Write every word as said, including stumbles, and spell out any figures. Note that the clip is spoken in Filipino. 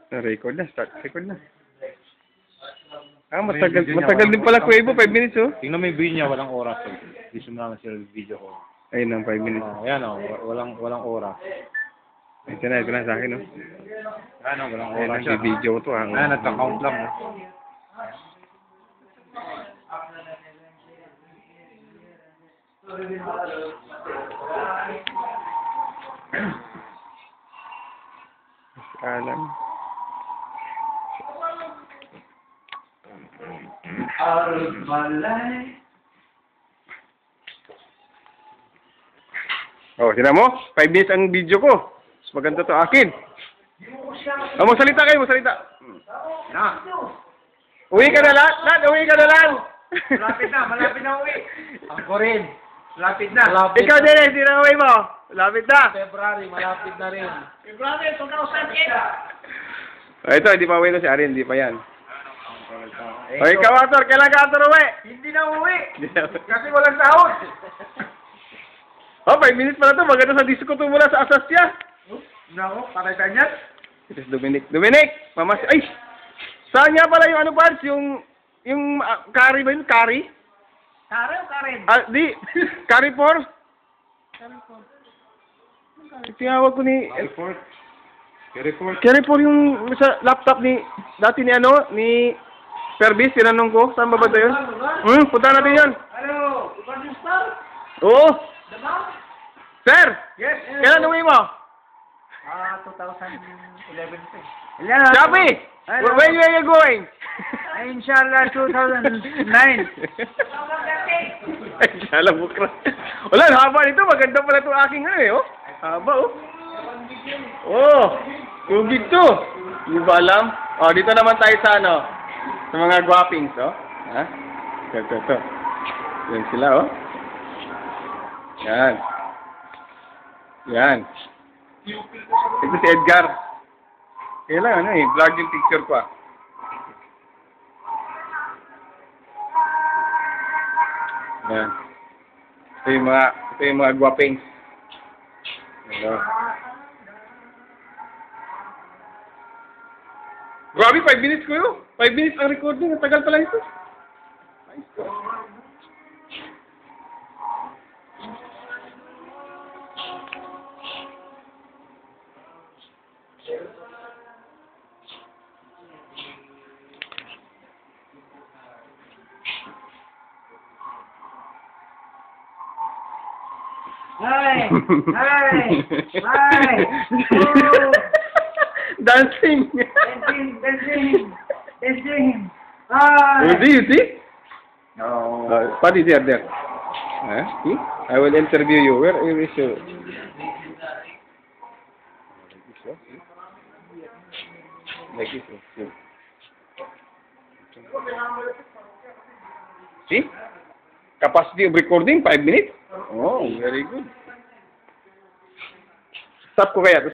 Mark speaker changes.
Speaker 1: Na-record na. Start record na. Ah, matagal, matagal din pala Kuwebo. five minutes, oh.
Speaker 2: Tingnan mo yung video niya, walang oras. Eh. Gusto mo naman sila yung video ko.
Speaker 1: Ayun ang five minutes.
Speaker 2: Oh, ayan o, walang, walang oras.
Speaker 1: Ito na, ito na sa akin, oh.
Speaker 2: Ayan o, walang
Speaker 1: Ayun
Speaker 2: oras
Speaker 1: ang
Speaker 2: siya.
Speaker 1: video ko to, ah.
Speaker 2: Ayan, nagka-count lang. Oh.
Speaker 1: Alam.
Speaker 3: Out of my life.
Speaker 1: Oh, sila mo? five minutes ang video ko. Mas maganda to akin. Oh, magsalita kayo, magsalita.
Speaker 2: Na.
Speaker 1: Uwi ka na lang, Lad, uwi ka na lang.
Speaker 3: Malapit na, malapit na uwi. Ako rin. Malapit na. Malapit.
Speaker 1: Ikaw din, hindi na uwi mo. Malapit na.
Speaker 3: February, malapit na rin. February, two thousand eight.
Speaker 1: Oh, ito, hindi pa uwi to si Arin, hindi pa yan. Oh, ikaw, Ator, kailan ka, Ator, uwi?
Speaker 3: Hindi na uwi.
Speaker 1: Hindi na uwi.
Speaker 3: Kasi walang sahod.
Speaker 1: Oh, five minutes pala to. Maganda sa disco to mula sa Asasya.
Speaker 3: Nako, patay tayo niyan.
Speaker 1: Ito si Dominic. Dominic! Mamas... Ay! Saan nga pala yung ano, Bards? Yung... Yung... Uh, curry ba yun? Curry?
Speaker 3: Karen o Karen?
Speaker 1: Ah, di. Curry four? Tinawag ko ni...
Speaker 2: Report. Report.
Speaker 1: Curry four yung sa laptop ni... Dati ni ano? Ni... Pervis, tinanong ko. Saan ba ba ito yun? Hmm, punta natin yun.
Speaker 3: Hello, Ivan yung star?
Speaker 1: Oo.
Speaker 3: Diba?
Speaker 1: Sir!
Speaker 3: Yes.
Speaker 1: Kailan uwi mo?
Speaker 3: Ah, two thousand eleven pa eh.
Speaker 1: Chappy!
Speaker 3: Hello.
Speaker 1: Where, where are you going?
Speaker 3: Inshallah, two thousand nine.
Speaker 1: Ay, sala bukra. Wala, haba nito. Maganda pala itong aking ano eh, oh. Haba, oh. Oh, tubig to. Hindi ba alam? Oh, dito naman tayo sa ano, sa mga guwapings, oh. Ha? Ito, ito, ito. Yan sila, oh. Yan. Yan. Ito si Edgar. Kailan, ano eh, vlog yung picture ko, ah. Yan. Ito yung mga, ito yung mga guwapings. Hello. Grabe, five minutes ko yun. five minutes ang recording. Ang tagal pala ito. Nice ko.
Speaker 3: Hi! Hi! Hi! Oh!
Speaker 1: Dancing!
Speaker 3: Dancing! Dancing! Dancing! Hi!
Speaker 1: You see, you see?
Speaker 3: No.
Speaker 1: Uh, what is there, there? Huh? See? I will interview you. Where where is your... Like this, oh. See? See? Capacity of recording, five minutes? Oh, very good. Stop ko kaya.